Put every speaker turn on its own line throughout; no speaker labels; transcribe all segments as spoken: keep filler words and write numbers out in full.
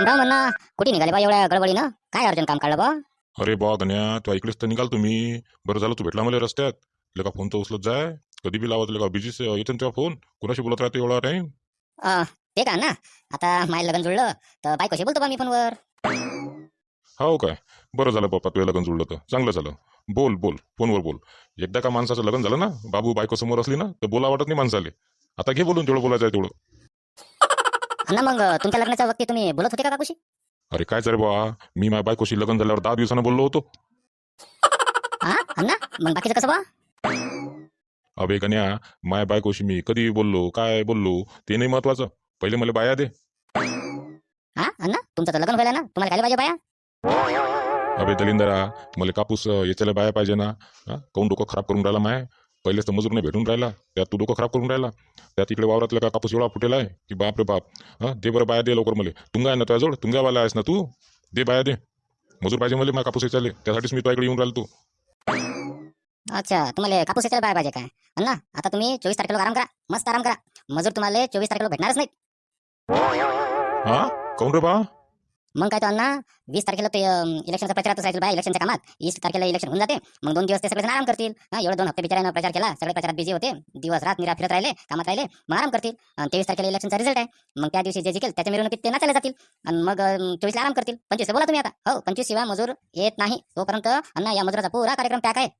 राम म्हणा. कुठे निघाले बा एवढ्या गडबडीनं? काय अर्जंट काम काढलं बा?
अरे बा गण्या, तू ऐकलीस तर निघाल तुम्ही. बरं झालं तू भेटला मला रस्त्यात. लगा फोन तर उचलत जाय. कधी बी लावत लगा बिझी येतो ना तेव्हा फोन. कोणाशी बोलत राहते एवढा टाइम?
अं, ते का ना, आता माझं लग्न जुळलं तर बायकोशी बोलतो बा मी फोनवर.
हो काय? बरं झालं बाप्पा, तुझं लग्न जुळलं तर चांगलं झालं. बोल बोल, फोनवर बोल. एकदा का माणसाचं लग्न झालं ना, बाबू बायको समोर असली ना, तर बोला वाटत नाही माणसाले. आता घे बोलून, तेवढं बोलायचं आहे तेवढं.
अण्णा मग तुमच्या लग्नाच्या वक्ती तुम्ही बोलत होते का काकूशी?
अरे काय रे बा, मी माझ्या बायकोशी लग्न झाल्यावर दहा दिवसानं बोललो होतो.
हा अण्णा, मग बाकीचं कसं बा?
अबे गण्या, माया बायकोशी मी कधी बोललो, काय बोललो, ते नाही महत्वाचं. पहिले मला बाया दे.
हा अण्णा, तुमचं तर लग्न व्हायला ना, तुम्हाला काय पाहिजे बाया?
अबे दलिंदरा, मला कापूस अं, याच्याला बाया पाहिजे ना. हा, काऊन डोकं खराब करून राहिला माय. पहिलेच तर मजूर नाही भेटून राहिला, त्यात तू डोकं खराब करून राहिला. त्यात इकडे वावरातला का कापूस एवढा फुटेला आहे की बाप रे बाप. हा, दे बरं बाया, दे लवकर. मला तुंगा आहे ना तुझ्याजवळ, तुंगावाला आहेस ना तू. दे बाया दे. मजूर पाहिजे मला, माझ्या कापूस याच्याले, त्यासाठीच मी तुझ्याकडे येऊन राहिलो. तू
अच्छा, तुम्हाला कापूसाच्या बाया पाहिजे काय? अण्णा, आता तुम्ही चोवीस तारखेला आराम करा, मस्त आराम करा. मजूर तुम्हाला चोवीस तारखेला भेटणारच नाही.
हा, काऊन रे बा?
मग काय तो अण्णा, वीस तारखेला ते अं, इलेक्शनचा प्रचारात असायचं बाय, इलेक्शनच्या कामात. वीस तारखेला इलेक्शन होऊन जाते, मग दोन दिवस ते सगळे आराम करतील. हा, एवढे दोन हप्ते बिचारानं प्रचार केला, सगळे प्रचारात बिझी होते, दिवस रात निरा फिरत राहिले, कामात राहिले, मग आराम करतील. आणि तेवीस तारखेला इलेक्शनचा रिझल्ट आहे, मग त्या दिवशी जे जिंकेल त्याच्या मिरवणुकीत ते नाचायला जातील. आणि मग चोवीसला आराम करतील. पंचवीसला बोला तुम्ही आता. हो, पंचवीस शिवाय मजूर येत नाही तोपर्यंत अण्णा या मजुराचा पुरा कार्यक्रम पॅक आहे.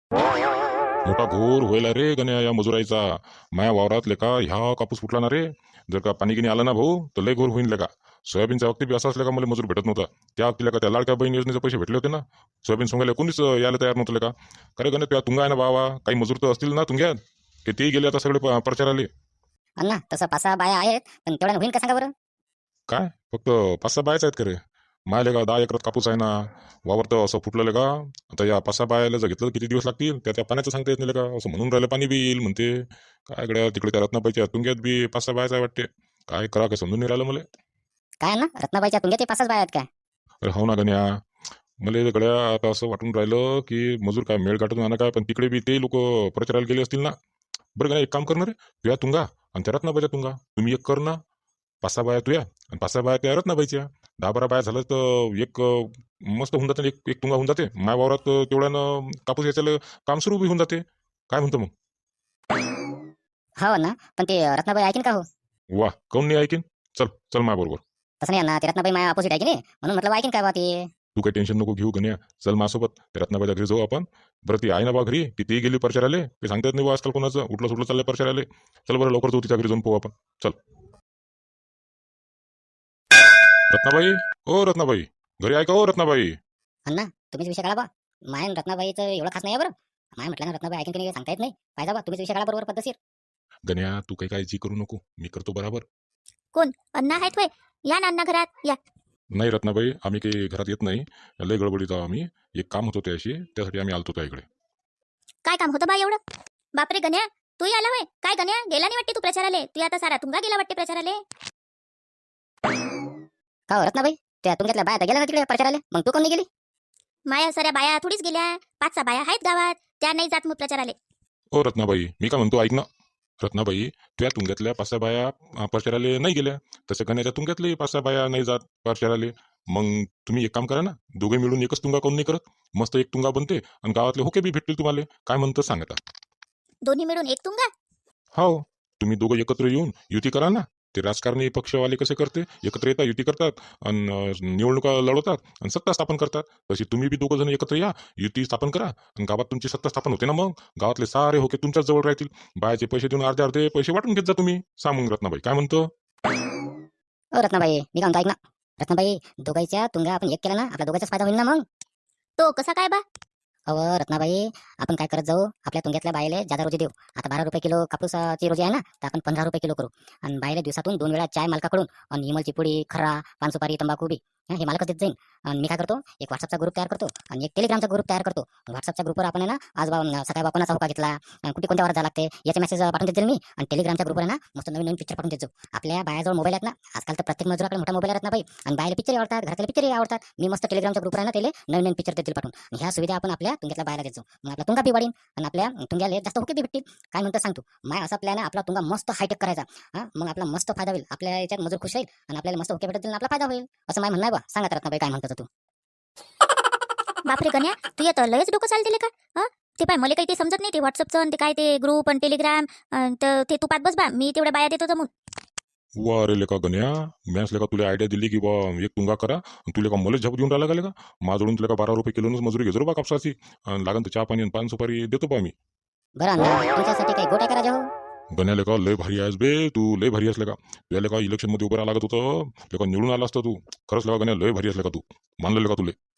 मोठा घोर व्हायला रे गण्या या मजुराईचा. माया वावरात का ह्या कापूस फुटला ना रे. जर का पाणी गिनी आलं ना भाऊ, तर लय घोर होईल का. सोयाबीनच्या वक्ती बी असं असलं का मला मजूर भेटत नव्हता. त्या वक्तीला का त्या लाडक्या बहीण योजनेचे पैसे भेटले होते ना, सोयाबीन सोंगायला कोणीच अं, यायला तयार नव्हतं का. खरे गण्या तुझ्या तुंगा आहे ना बावा, काही मजूर तर असतील ना तुंग्यात, ते तेही गेले आता सगळे प- प्रचाराले.
अण्णा, तसं पाच सहा बाया आहेत, पण तेवढ्या होईल का सांगा बरं?
काय फक्त पाच सहा बायच आहेत का रे? मायले का दहा एकरात कापूस आहे ना, वावर तर असं फुटलेलं का. आता या पाच सहा बायाला जर घेतलं तर किती दिवस लागतील, त्या त्या पाण्याचं सांगता येत नाही का. असं म्हणून राहिलं पाणी बी येईल म्हणते. काय गड्या, तिकडे त्या रत्नाबाईच्या तुंग्यात बी पाच सहा बायच आहे वाटते. काय करा काय समजून नाही राहिलं मला.
काय अण्णा, रत्नाबाईच्या तुंग्यात ते पाच सहा बाया आहेत काय?
अरे हो ना गण्या, मला गड्या आता असं वाटून राहिलं की मजूर काय मेळ काढून आणा काय, पण तिकडे बी ते लोक प्रचाराला गेले असतील ना. बरं गण्या, एक काम करणार रे, तुया तुंगा आणि त्या रत्नाबाईच्या तुंगा तुम्ही एक कर ना. पाच सहा बाया तुया आणि पाच सहा बाया त्या रत्नाबाईच्या. दहा बारा बाया झालं तर एक अं, मस्त होऊन जाते. एक एक तुंगा होऊन जाते माय वावरात. अं, तेवढ्यानं कापूस याच्याला काम सुरू बी होऊन जाते. काय म्हणतो मग?
हो ना, पण ते रत्नाबाई ऐकीन का हो?
वा, काऊन नाही ऐकीन. चल चल माझ्या बरोबर.
तसं नाही अण्णा, ते रत्नाबाई माझ्या अपोजिट आहे की नाही, म्हणून म्हटलं ऐकीन काय बा ते.
तू काही टेन्शन नको घेऊ गण्या. चल माझ्यासोबत त्या रत्नाबाईच्या घरी जाऊ आपण. बरं ती आहे ना बा घरी, की ती गेली परचाराले, ते सांगता येत नाही बा आजकाल कोणाचं उठलं सुटलं चाललंय परचाराले. चल बरं लवकर जाऊ तिच्या घरी, जाऊन पाहू आपण. चल रत्नाबाई, ओ रत्नाबाई, घरी आहे का ओ रत्नाबाई?
अण्णा, तुम्हीच विषय काढा बा. माय आणि रत्नाबाईचं एवढं खास नाही आहे बरं. माय म्हटलं ना, रत्नाबाई ऐकीन की नाही सांगता येत नाही. पाहिजे बा, तुम्हीच विषय काढा बरोबर पद्धतशीर.
गण्या तू काही काळजी करू नको, मी करतो बराबर.
कोण? अण्णा आहेत होय? या ना अण्णा घरात या.
नाही रत्नाबाई, आम्ही काही घरात येत नाही. लय गडबडीत आहो आम्ही. एक काम होतं त्याशी, त्यासाठी आम्ही आलतो त्या इकडे.
काय काम होतं बा एवढं? बापरे गण्या, तू आला होय? काय गण्या, गेला नाही वाटते तू प्रचाराले? तू आता सारा तुंगा गेला वाटते प्रचाराले.
का हो रत्नाबाई, त्या तुमच्यातल्या बाया तर गेल्या ना तिकडे प्रचाराले, मग तू कोण नाही गेली?
माया साऱ्या बाया थोडीच गेल्या, पाच सहा बाया आहेत गावात, त्या नाही जात मग प्रचाराले.
ओ रत्नाबाई, मी काय म्हणतो ऐक ना. रत्नाबाई, तुझ्या तुंग्यातल्या पाच सहा बाया अं, परचाराले नाही गेल्या. तसं गण्याच्या तुंग्यातले पाच सहा बाया नाही जात परचाराले. मग तुम्ही एक काम करा ना, दोघे मिळून एकच तुंगा काऊन नाही करत. मस्त एक तुंगा बनते आणि गावातले होके बी भेटतील तुम्हाला. काय म्हणतं सांग आता.
दोन्ही मिळून एक तुंगा?
हो, तुम्ही दोघं एकत्र येऊन युती करा ना. ते राजकारणी पक्षवाले कसे करते, एकत्र येतात, युती करतात आणि निवडणुका लढवतात आणि सत्ता स्थापन करतात. तशी तुम्ही बी दोघं जण एकत्र या, युती स्थापन करा आणि गावात तुमची सत्ता स्थापन होते ना. मग गावातले सारे होके तुमच्याच जवळ राहतील. बायाचे पैसे देऊन अर्धे अर्धे पैसे वाटून घेत जा तुम्ही. सांग मग रत्नाबाई, काय म्हणतो?
ओ रत्नाबाई, मी काय म्हणतो ऐक ना. रत्नाबाई, दोघांच्या तुंगा आपण एक केला ना, आपला दोघांचाच फायदा होईल ना मग.
तो कसा काय बा?
अव रत्नाबाई, आपण काय करत जाऊ, आपल्या तुंग्यातल्या बायले जादा रोजी देऊ. आता बारा रुपये किलो कापूसाची रोजी आहे ना, तर आपण पंधरा रुपये किलो करू. आणि बायले दिवसातून दोन वेळा चाय मालकाकडून आणि इमलची पुडी, खर्रा, पानसुपारी, तंबाखू बी हं, हे मालकच देत जाईन. आणि मी काय करतो, एक व्हॉट्सअपचा ग्रुप तयार करतो आणि एक टेलिग्रामचा ग्रुप तयार करतो. व्हॉट्सअपच्या ग्रुपवर आपण आहे ना, आज बा अं, सकाळी बा कोणाचा होका घेतला, अं, कुठे कोणत्या वारात जावं लागते याचे मेसेज पाठवून देत जाईल मी. आणि टेलिग्रामच्या ग्रुपवर आहे ना, मस्त नवीन नवीन पिक्चर पाठवून देत जाऊ. आपल्या बायाजवळ मोबाईल आहेत ना, आजकाल तर प्रत्येक मजुराकडे मोठा मोबाईल आहेत ना बाई. आणि बायला पिक्चर आवडतात, घरातले पिक्चरही आवडतात. मी मस्त टेलिग्रामच्या ग्रुपवर आहे ना, त्याला नवीन नवीन पिक्चर देतील पाठवून. आणि ह्या सुविधा आपण आपल्या तुंग्यातल्या बायला देत जाऊ. मग आपला तुंगा बी वाढीन आणि आपल्या तुंग्याला जास्त होके बी भेटतील. काय म्हणतो सांग तू? माय असा प्लॅन आहे, आपला तुंगा मस्त हायटेक करायचा. हां, मग आपला मस्त फायदा होईल. आपल्या याच्यात मजूर खुश होईल आणि आपल्याला मस्त होके भेटतील आणि आपला फायदा होईल. असं माय म्हणणं आहे बा. सांगा तर बाई, काय म्हणतो तू?
बापरे गण्या, तू येतं लयच डोकं चालते का? हा, ते पाय मला काही ते समजत नाही, ते व्हॉट्सअपचं आणि ते काय ते ग्रुप आणि टेलिग्राम. तर ते तू पात बस बा, मी तेवढ्या बाया देतो जमून.
वा रे लेका गण्या, मॅच लेका तुला आयडिया दिली की बा एक तुंगा करा आणि तुला का मला झप देऊन राहिला का लेका? माझ्याकडून तुला का बारा रुपये किलोनच मजुरी घेतो रे बा कापसाची. आणि लागन तर चहा पाणी आणि पान सुपारी देतो बा मी.
बरं अण्णा, तुमच्यासाठी काही गोट्या करा जाऊ.
गण्या लेका लय भारी आहेस बे तू, लय भारी आहेस लेका. तुला लेका इलेक्शन मध्ये उभं राहा लागत होतं लेका, निवडून आला असतं तू. खरंच लेका गण्या, लय भारी आहेस लेका तू. मानलं लेका तुले.